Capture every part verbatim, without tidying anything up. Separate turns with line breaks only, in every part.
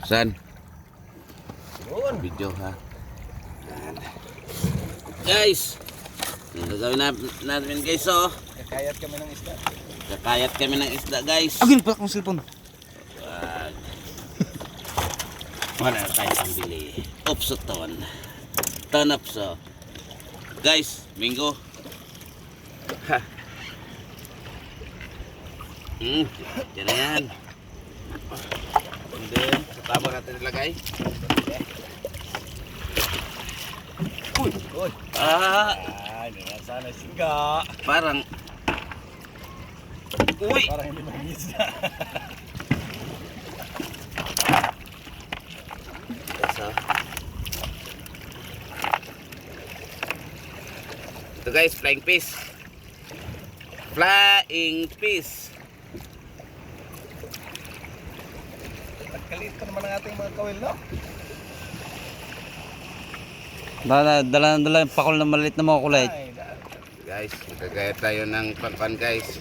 Saan?
Yun.
Video ha. Yan. Guys, ang gagawin na, natin guys oh.
Kakayat kami ng isda.
Kakayat kami ng isda guys.
Agin pa akong cellphone.
Wag. Wala na tayo pambili. Upsoton. Tanapso. Guys, Mingo. Ha. Hmm, yan na yan. And then, sa tabo natin nilagay. Uy!
Uy!
Ah!
Ah, hindi na sana singga.
Parang... Uy!
Parang hindi mag-isda.
So, ito guys, flying fish. Flying fish.
Nagkalit pa naman ang ating mga kawil, no?
Dala, dala, dala yung pakol na maliit na mga kulay.
Ay, da-
Guys, magkagaya tayo ng pangpan guys.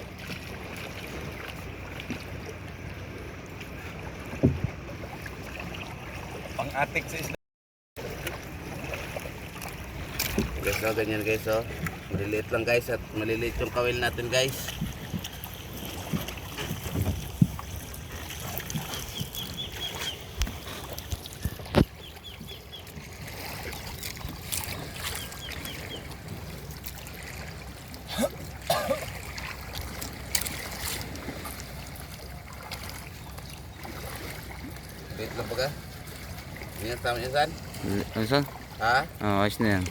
pang-atik sa isda.
Guys, oh, ganyan guys, oh. Maliliit lang guys at maliliit yung kawil natin guys. Wait lang baga. Yan, tama yan saan?
Ano saan?
Ha?
Oh, ayos na yan.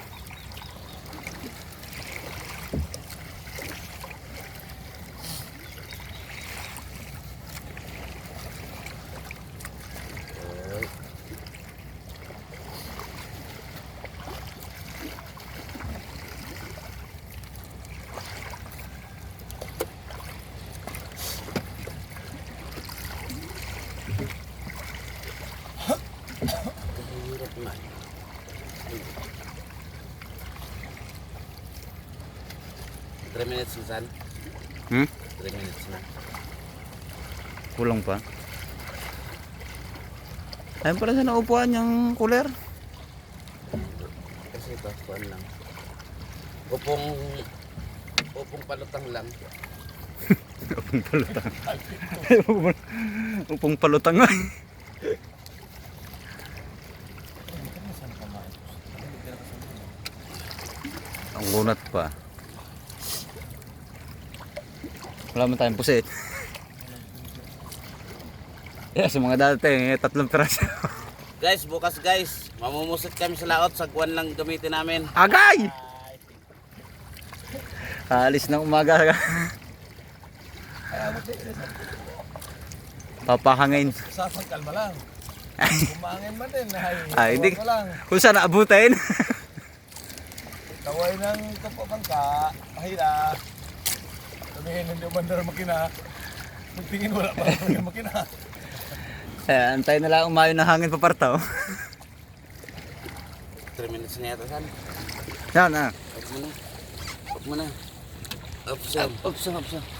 Hirap na. three minutes na saan?
Hmm?
three minutes na.
Kulang pa. Ayun pala sa naupuan yung cooler.
Kasi ito, kuhan lang. Upong, upong palutang lang.
Upong palutang. Upong palutang nga. Ang gunat pa. Wala man tayong pusit. Yeah, sa mga dati, eh, tatlong piraso.
Guys, bukas guys, mamumusit kami sa laot. Sagwan lang gamitin namin.
Agay! Alis ng umaga. Papahangin.
Sasang kalma lang. Kumangin man din. Ay,
Ay, hindi.
tawa ko lang.
Kung saan naabutin.
Taway ng kapabangka. Mahila. Sabihin, hindi umandar makina. Magtingin wala pa ang makina.
Eh, antay na lang umayon ng hangin papartaw.
three minutes na yata saan.
Yan ah.
Up mo na. Up mo na. Up, saan?
Upsa, upsa.